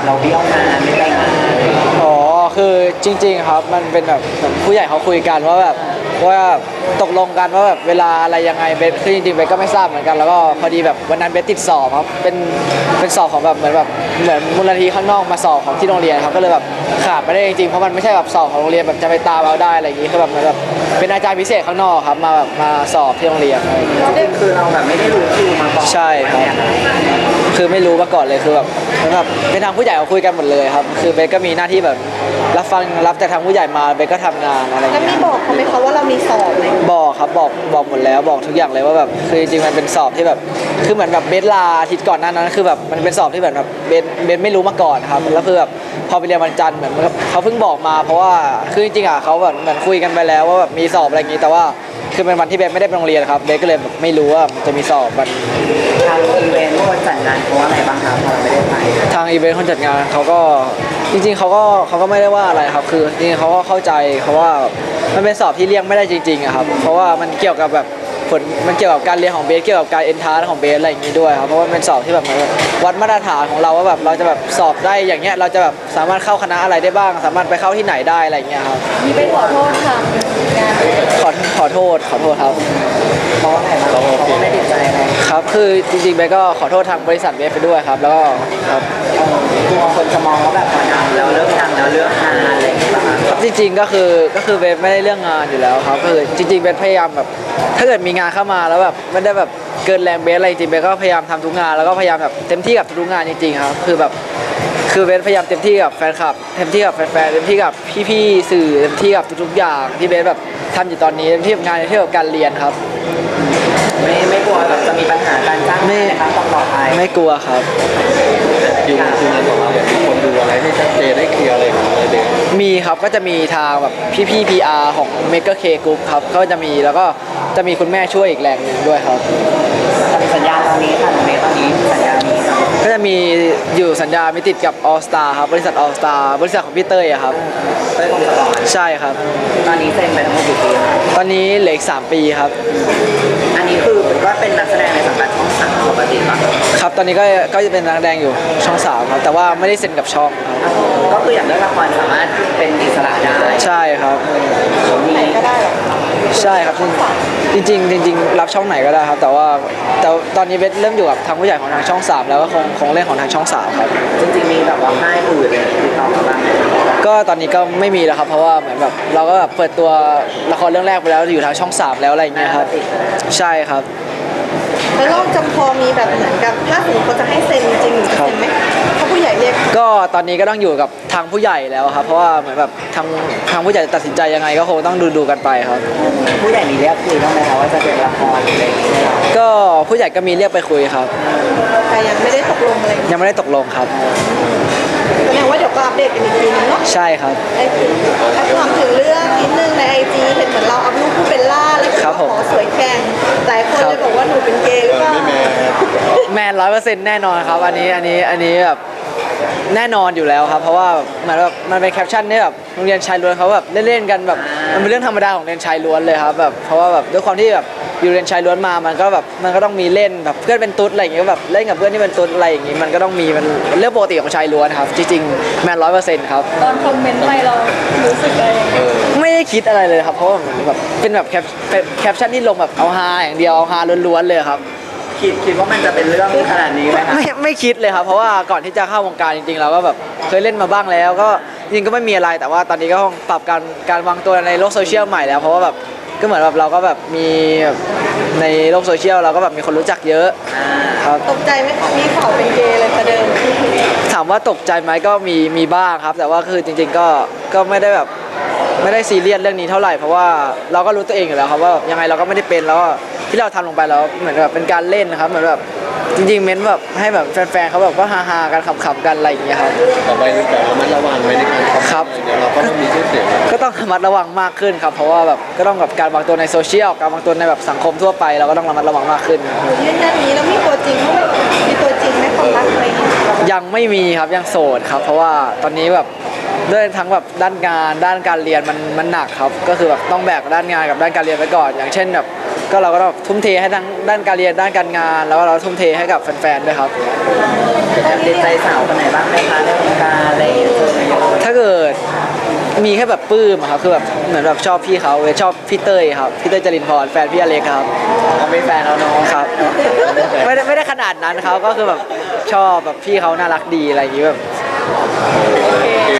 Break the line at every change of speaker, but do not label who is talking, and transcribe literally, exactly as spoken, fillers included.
เราเบี้ยวงานไม่ไปงาน
อ๋อคือจริงๆครับมันเป็นแบบเหมือนผู้ใหญ่เขาคุยกันว่าแบบว่าตกลงกันว่าแบบเวลาอะไรยังไงเบสคือจริงๆเบสก็ไม่ทราบเหมือนกันแล้วก็พอดีแบบวันนั้นเบสติดสอบครับเป็นเป็นสอบของแบบเหมือนแบบเหมือนมูลนิธิข้างนอกมาสอบของที่โรงเรียนครับก็เลยแบบขาดไม่ได้จริงๆเพราะมันไม่ใช่แบบสอบของโรงเรียนแบบจะไปตามเอาได้อะไรอย่างงี้คือแบบเหมือนแบบเป็นอาจารย์พิเศษข้างนอกครับมาแบบมาสอบที่โรงเรียนอะไรอย่างงี้
จริงๆคือเราแบบไม่ได้รู้คิวมาก่อน
ใช่ครับคือไม่รู้มาก่อนเลยคือแบบเหมือนแบบเป็นทางผู้ใหญ่เขาคุยกันหมดเลยครับคือเบสก็มีหน้าที่แบบรับฟังรับจากทางผู้ใหญ่มาเบสก็ทำงานอะไรอย่าง
แล้ว
เงี้
มี
ย
บอกเขาไหมคะว่าเรามีสอบไหม
บอกครับบอกบอกหมดแล้วบอกทุกอย่างเลยว่าแบบคือจริงๆมันเป็นสอบที่แบบคือเหมือนแบบเบสลาอาทิตย์ก่อนหน้านั้นคือแบบมันเป็นสอบที่แบบแบบเบสเบสไม่รู้มาก่อนครับแล้วคือแบบพอไปเรียนวันจันทร์เหมือนเขาเพิ่งบอกมาเพราะว่าคือจริงๆอ่ะเขาแบบเหมือนคุยกันไปแล้วว่าแบบมีสอบอะไรอย่างงี้แต่ว่าคือเป็นวันที่เบสไม่ได้ไปโรงเรียนครับเบสก็เลยแบบไม่รู้ว่ามันจะมีสอบวัน
ทางอีเวนต์คนจัดงานเขาว่าอะไรบ้างครับพอเราไม่ได้ไป
ทางอีเวนต์คนจัดงานเขาก็จริงๆเขาก็เขาก็ไม่ได้ว่าอะไรครับคือจริงๆเขาก็เข้าใจเขาว่ามันเป็นสอบที่เลี่ยงไม่ได้จริงๆอะครับเพราะว่ามันเกี่ยวกับแบบผลมันเกี่ยวกับการเรียนของเบสเกี่ยวกับการเอนทรานซ์ของเบสอะไรอย่างนี้ด้วยครับเพราะว่าเป็นสอบที่แบบวัดมาตรฐานของเราว่าแบบเราจะแบบสอบได้อย่างเงี้ยเราจะแบบสามารถเข้าคณะอะไรได้บ้างสามารถไปเข้าที่ไหนได้อะไรอย่างเงี้ยครับ
มีไปขอโทษทางงาน
ขอขอโทษขอโทษครับ
เพราะอะไรบ้างเขาก็ไม่ติดใจอะไร
ครับคือจริงๆเบสก็ขอโทษทางบริษัทเบสไปด้วยครับแล้วก็ครับ
กลัวคนจะมองว่าแบบพอดังแล้วเลิกดังแล้วเลิกงานอะไรอย่างเงี้ย
ครับจริงๆก็คือก็คือเบสไม่ได้เรื่องงานอยู่แล้วครับก็คือจริงๆเบสพยายามแบบถ้าเกิดมีงานเข้ามาแล้วแบบไม่ได้แบบเกินแรงเบสอะไรจริงๆเบสก็พยายามทำทุกงานแล้วก็พยายามแบบเต็มที่กับทุกงานจริงๆครับคือแบบคือเบสพยายามเต็มที่กับแฟนคลับเต็มที่กับแฟนๆเต็มที่กับพี่ๆสื่อเต็มที่กับทุกๆอย่างที่เบสแบบทำอยู่ตอนนี้เต็มที่กับงานเต็มที่กับการเรียนครับ
ไม่ไม่กลัวแบบจะมีปัญหาการจ้างงานนะครับต้องต่อไป
ไม่กลัวครับ
คิวคิวงานของเราเนี่ยมีคนดูอะไรให้ชัดเจนให้เคลียร์อะไรของอะไรเด็ก
มีครับก็จะมีทางแบบพี่ๆ พี อาร์ ของ Maker K Group ครับเขาจะมีแล้วก็จะมีคุณแม่ช่วยอีกแรงหนึ่งด้วยครับ
สัญญาตอนนี้ค่ะในตอนนี้สัญญามี
ก็จะมีอยู่สัญญามีติดกับ All Star ครับบริษัท All Star บริษัทของพี่เต้ยอะครับ
เต้ยคงสปอร์ต
ใช่ครับ
ตอนนี้เซ็นไปทั้งหมดกี่ปี
ตอนนี้เหลืออีกสามปีครับ
อันนี้คือก็เป็นนักแสดงในสังกัดช่องสามปกติป่ะ
ครับตอนนี้ก็ก็จะเป็นนักแสดงอยู่ช่องสามครับแต่ว่าไม่ได้เซ็นกับช่องครับ
ก็คืออยากเล่นละครสามารถเป็นอิสระได้
ใช่ครับ
ไหนก็ได้หรอ
ใช่ครับจริงๆจริงๆรับช่องไหนก็ได้ครับแต่ว่าแต่ตอนนี้เบสเริ่มอยู่กับทางผู้ใหญ่ของทางช่องสามแล้วก็คงคงเล่นของทางช่องสามครับ
จริงๆมีแบบว่าค่ายอื่นติดต่อมาบ้าง
ก็ตอนนี้ก็ไม่มีแล้วครับเพราะว่าเหมือนแบบเราก็แบบเปิดตัวละครเรื่องแรกไปแล้วอยู่ทางช่องสามแล้วอะไรอย่างเงี้ยครับใช่ครับ
แล้วเราจะพอมีแบบเหมือนกับถ้าสมมติเขาจะให้เซ็นจริงๆเซ็นไหมถ้าผู้ใหญ่เรียก
ก็ตอนนี้ก็ต้องอยู่กับทางผู้ใหญ่แล้วครับเพราะว่าเหมือนแบบทางทางผู้ใหญ่ตัดสินใจยังไงก็คงต้องดูดูกันไปครับ
ผู้ใหญ่มีเรียกคุยบ้างไหมคะว่าจะเป็นละครอะไรอย่างเงี้ย
ก็ผู้ใหญ่ก็มีเรียกไปคุยครับ
แต่ยังไม่ได้ตกลงอะไร
ยังไม่ได้ตกลงครับ
แสดงว่าเดี๋ยวก็อัปเดตกันอีกทีนึงเนาะ
ใช่ครับ
ไอ้ถ้าถามถึงเรื่องนิดนึงในไอจีเห็นเหมือนเราอัพรูปผู้เป็นล่าแล้วก็ขอสวยแข่งหลายคนเลยบอกว่าหนูเป็นเกย์หรือเปล่า
แมนร้อยเปอร์เซ็นต์แน่นอนครับอันนี้อันนี้อันนี้แบบแน่นอนอยู่แล้วครับเพราะว่าเหมือนแบบมันเป็นแคปชั่นที่แบบโรงเรียนชายล้วนเขาแบบเล่นๆกันแบบมันเป็นเรื่องธรรมดาของเรียนชายล้วนเลยครับแบบเพราะว่าแบบด้วยความที่แบบอยู่เรียนชายล้วนมามันก็แบบมันก็ต้องมีเล่นแบบเพื่อนเป็นตุ๊ดอะไรอย่างเงี้ยแบบเล่นกับเพื่อนที่เป็นตุ๊ดอะไรอย่างงี้มันก็ต้องมีมันเรื่องปกติของชายล้วนครับจริงๆแมนร้อยเปอร์เซ็นต์ครับ
ตอนคอมเมนต์ไปเรารู้สึกอะไร
ไม่ได้คิดอะไรเลยครับเพราะว่าแบบเป็นแบบแคปแคปชั่นที่ลงแบบเอาฮาอย่างเดียวเอาฮาล้วนๆเลยครับ
คิดคิดว่ามันจะเป็นเรื่องขนาดนี้ไหมคะ
ไม่ไม่คิดเลยครับเพราะว่าก่อนที่จะเข้าวงการจริงๆเราก็แบบเคยเล่นมาบ้างแล้วก็จริงก็ไม่มีอะไรแต่ว่าตอนนี้ก็ต้องปรับการการวางตัวในโลกโซเชียลใหม่แล้วเพราะว่าแบบก็เหมือนแบบเราก็แบบมีในโลกโซเชียลเราก็แบบมีคนรู้จักเยอะครับ
ตกใจไหมมีข่าวเป็นเกย์เลยประเดิม
ถามว่าตกใจไหมก็มีมีบ้างครับแต่ว่าคือจริงๆก็ก็ไม่ได้แบบไม่ได้ซีเรียสเรื่องนี้เท่าไหร่เพราะว่าเราก็รู้ตัวเองอยู่แล้วครับว่ายังไงเราก็ไม่ได้เป็นแล้วที่เราทำลงไปแล้วเหมือนแบบเป็นการเล่นนะครับเหมือนแบบจริงๆเม้นแบบให้แบบแฟนๆเขาแบบก็ฮาๆกันขำๆกันอะไรอย่างเงี้ยครับ
ต่อไปคือการระมัดระวังไว้ในการ
ครับ
เดี๋ยวเราก็ต้องมีชื่อเสียง
ก็ต้องระมัดระวังมากขึ้นครับเพราะว่าแบบก็ต้องกับการวางตัวในโซเชียลการวางตัวในแบบสังคมทั่วไปเราก็ต้องระมัดระวังมากขึ้น
ยืนยันนี้แล้วมีตัวจริงไหมมีตัวจริงไหมความรักอะไร
ยังไม่มีครับยังโสดครับเพราะว่าตอนนี้แบบด้วยทั้งแบบด้านงานด้านการเรียนมันมันหนักครับก็คือแบบต้องแบกด้านงานกับด้านการเรียนไปก่อนอย่างเช่นแบบก็เราก็ต้องทุ่มเทให้ทั้งด้านการเรียนด้านการงาน แล้วก็เราทุ่มเทให้กับแฟนๆด้วยครับ
แอบติดใจสาวคนไหนบ้างไหมคะในวงการอะไรอย่างเงี้ย
ถ้าเกิดมีแค่แบบปลื้มอะครับคือแบบเหมือนแบบชอบพี่เขาเลยชอบพี่เต้ยครับพี่เต้ยจรินพรแฟนพี่อเล็กครับ
เขาเป็นแฟนเราเนาะ
ครับไม่ได้ไม่ได้ขนาดนั้นครับก็คือแบบชอบแบบพี่เขาน่ารักดีอะไรอย่างงี้แบบ